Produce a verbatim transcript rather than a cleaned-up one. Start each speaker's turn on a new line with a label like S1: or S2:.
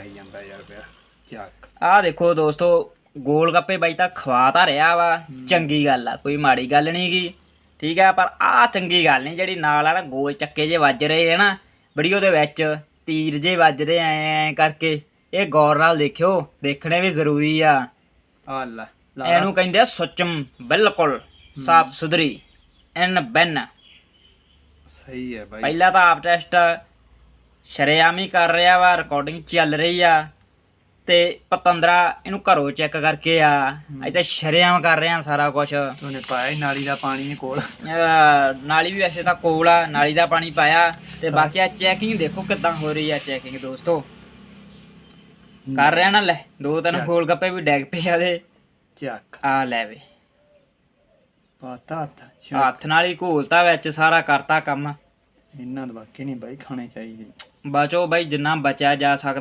S1: ਜਾਈ ਜਾਂਦਾ ਯਾਰ ਫਿਰ ਚੱਕ।
S2: ਆਹ ਦੇਖੋ ਦੋਸਤੋ ਗੋਲ ਗੱਪੇ ਬਾਈ ਤਾਂ ਖਵਾ ਤਾਂ ਰਿਹਾ ਵਾ, ਚੰਗੀ ਗੱਲ ਆ, ਕੋਈ ਮਾੜੀ ਗੱਲ ਨਹੀਂ ਗੀ, ਠੀਕ ਆ। ਪਰ ਆਹ ਚੰਗੀ ਗੱਲ ਨਹੀਂ ਜਿਹੜੀ ਨਾਲ ਆ ਨਾ ਗੋਲ ਚੱਕੇ ਜੇ ਵੱਜ ਰਹੇ ਹੈ ਨਾ ਵੀਡੀਓ ਦੇ ਵਿੱਚ, ਤੀਰ ਜੇ ਵੱਜ ਰਹੇ ਐ ਐ ਕਰਕੇ, ਇਹ ਗੌਰ ਨਾਲ ਦੇਖਿਓ, ਦੇਖਣੇ ਵੀ ਜ਼ਰੂਰੀ ਆ।
S1: ਆ ਲੈ
S2: ਇਹਨੂੰ ਕਹਿੰਦੇ ਆ ਸੁੱਚਮ, ਬਿਲਕੁਲ ਸਾਫ ਸੁਥਰੀ ਐਨ ਬੈਨ।
S1: ਸਹੀ ਹੈ ਬਾਈ।
S2: ਪਹਿਲਾਂ ਤਾਂ ਆਪ ਟੈਸਟ ਸ਼ਰੇਆਮ ਹੀ ਕਰ ਰਿਹਾ ਵਾ, ਰਿਕਾਰਡਿੰਗ ਚੱਲ ਰਹੀ ਆ, ਤੇ ਪਤੰਦਰਾ ਇਹਨੂੰ ਘਰੋਂ ਚੈੱਕ ਕਰਕੇ ਆ, ਅੱਜ ਤਾਂ ਸ਼ਰੇਆਮ ਕਰ ਰਿਹਾ ਸਾਰਾ ਕੁਛ।
S1: ਉਹਨੇ ਪਾਇਆ ਨਾਲੀ ਦਾ ਪਾਣੀ ਕੋਲ,
S2: ਨਾਲੀ ਵੀ ਵੈਸੇ ਤਾਂ ਕੋਲ ਆ, ਨਾਲੀ ਦਾ ਪਾਣੀ ਪਾਇਆ। ਤੇ ਬਾਕੀ ਆ ਚੈਕਿੰਗ ਦੇਖੋ ਕਿੱਦਾਂ ਹੋ ਰਹੀ ਆ ਚੈਕਿੰਗ ਦੋਸਤੋ, ਕਰ ਰਿਹਾ ਨਾ। ਲੈ ਦੋ ਤਿੰਨ ਗੋਲ ਗੱਪੇ ਵੀ ਡੈਗ ਪਏ ਆ ਦੇ,
S1: ਚੱਕ
S2: ਆ ਲੈ ਵੇ
S1: ਪਾਤਾ ਹੱਥ,
S2: ਹੱਥ ਨਾਲ ਹੀ ਘੋਲਤਾ ਵਿੱਚ, ਸਾਰਾ ਕਰਤਾ ਕੰਮ।
S1: ਇਹਨਾਂ ਦੇ ਵਾਕੇ ਨਹੀਂ ਬਾਈ ਖਾਣੇ ਚਾਹੀਦੇ।
S2: ਬਚੋ ਬਾਈ ਜਿੰਨਾ ਬਚਿਆ ਜਾ ਸਕਦਾ।